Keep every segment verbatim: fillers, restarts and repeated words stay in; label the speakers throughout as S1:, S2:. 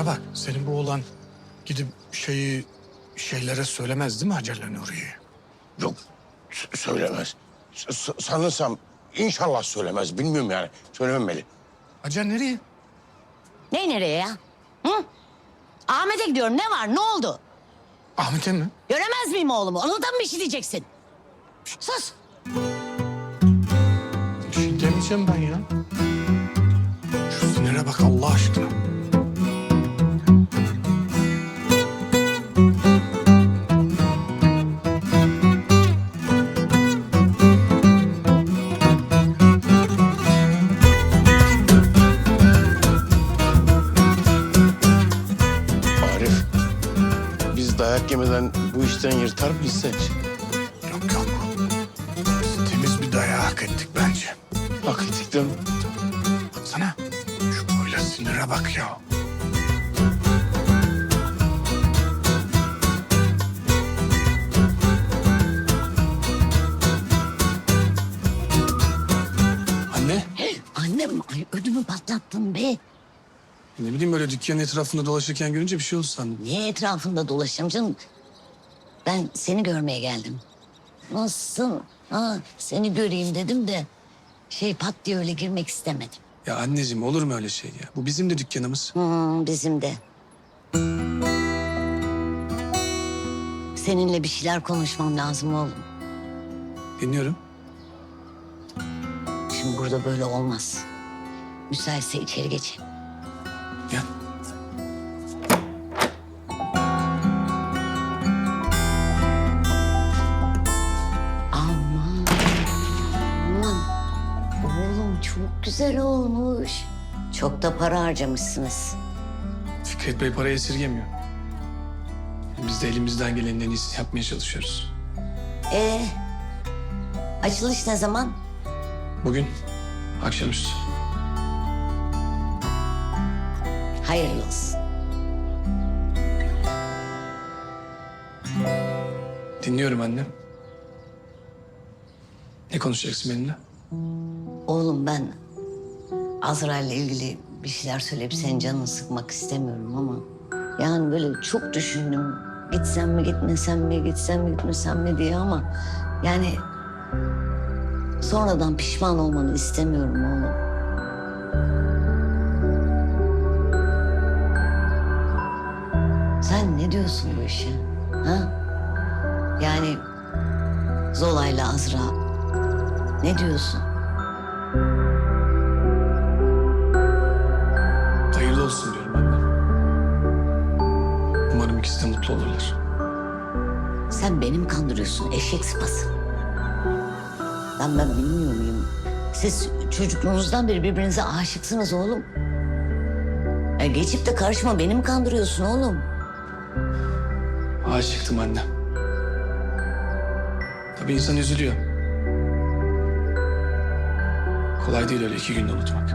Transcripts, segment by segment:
S1: Bana bak, senin bu oğlan gidip şeyi şeylere söylemez değil mi Hacer'le Nuriye'ye?
S2: Yok, s- söylemez. S- sanırsam inşallah söylemez. Bilmiyorum yani. Söylememeli.
S1: Hacer nereye?
S3: Ne nereye ya? Hı? Ahmet'e gidiyorum. Ne var? Ne oldu?
S1: Ahmet'e mi?
S3: Göremez miyim oğlumu? Ona da mı bir şey diyeceksin? Sus.
S1: Bir şey demeyeceğim ben ya. Şu sinire bak Allah aşkına.
S2: Arif, biz dayak yemeden bu işten yırtar mıyız sence?
S1: Yok yok. Biz temiz bir dayağı hak ettik bence.
S2: Hak ettik değil mi?
S1: Baksana. Şu böyle sinire bak ya. Anne.
S3: Annem, ay ödümü patlattın be.
S1: Ne bileyim böyle dükkanın etrafında dolaşırken görünce bir şey oldu sandım.
S3: Niye etrafında dolaşacağım canım? Ben seni görmeye geldim. Nasılsın? Ha, seni göreyim dedim de şey pat diye öyle girmek istemedim.
S1: Ya anneciğim olur mu öyle şey ya? Bu bizim de dükkanımız.
S3: Hmm, bizim de. Seninle bir şeyler konuşmam lazım oğlum.
S1: Dinliyorum.
S3: Şimdi burada böyle olmaz. Müsaitse içeri geçelim.
S1: Gel.
S3: Aman, aman. Oğlum çok güzel olmuş. Çok da para harcamışsınız.
S1: Fikret Bey parayı esirgemiyor. Biz de elimizden gelenin en iyisini yapmaya çalışıyoruz.
S3: Ee, açılış ne zaman?
S1: Bugün akşamüstü.
S3: Hayırlı olsun.
S1: Dinliyorum annem. Ne konuşacaksın benimle?
S3: Oğlum ben Azrail'le ilgili bir şeyler söyleyip senin canını sıkmak istemiyorum ama... Yani böyle çok düşündüm. Gitsem mi gitmesem mi, gitsem mi gitmesem mi diye ama... Yani sonradan pişman olmanı istemiyorum oğlum. Sen ne diyorsun bu işe? Ha? Yani Zola'yla Azra ne diyorsun?
S1: Hayırlı olsun diyorum anne. Umarım ikisi de mutlu olurlar.
S3: Sen beni mi kandırıyorsun eşek sıpası? Lan ben bilmiyor muyum? Siz çocukluğunuzdan beri birbirinize aşıksınız oğlum. Ya geçip de karşıma beni mi kandırıyorsun oğlum?
S1: Aşıktım anne. Tabii insan üzülüyor. Kolay değil öyle iki günde unutmak.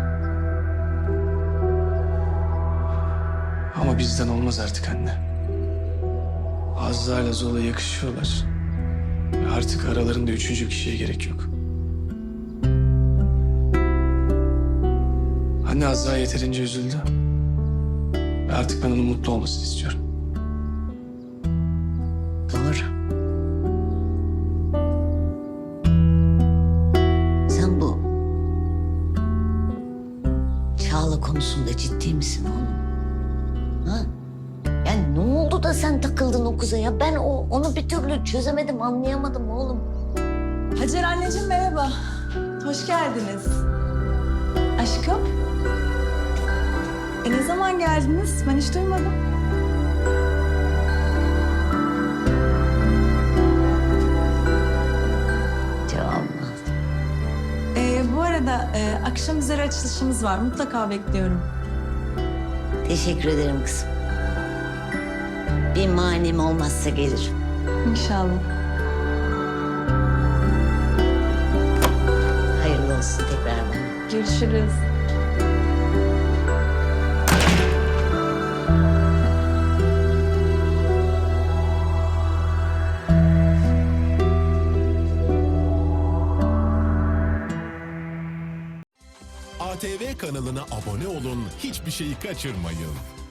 S1: Ama bizden olmaz artık anne. Azra ile Zola yakışıyorlar. Ve artık aralarında üçüncü bir kişiye gerek yok. Anne Azra yeterince üzüldü. Ve artık ben onun mutlu olmasını istiyorum.
S3: Doğru. Sen bu Çağla konusunda ciddi misin oğlum? Ha? Yani ne oldu da sen takıldın o kıza ya? Ben o, onu bir türlü çözemedim, anlayamadım oğlum.
S4: Hacer anneciğim merhaba. Hoş geldiniz. Aşkım. E ne zaman geldiniz? Ben hiç duymadım.
S3: Cevabım.
S4: E, bu arada e, akşam üzeri açılışımız var. Mutlaka bekliyorum.
S3: Teşekkür ederim kızım. Bir manim olmazsa gelirim.
S4: İnşallah.
S3: Hayırlı olsun tekrardan.
S4: Görüşürüz.
S5: A T V kanalına abone olun, hiçbir şeyi kaçırmayın.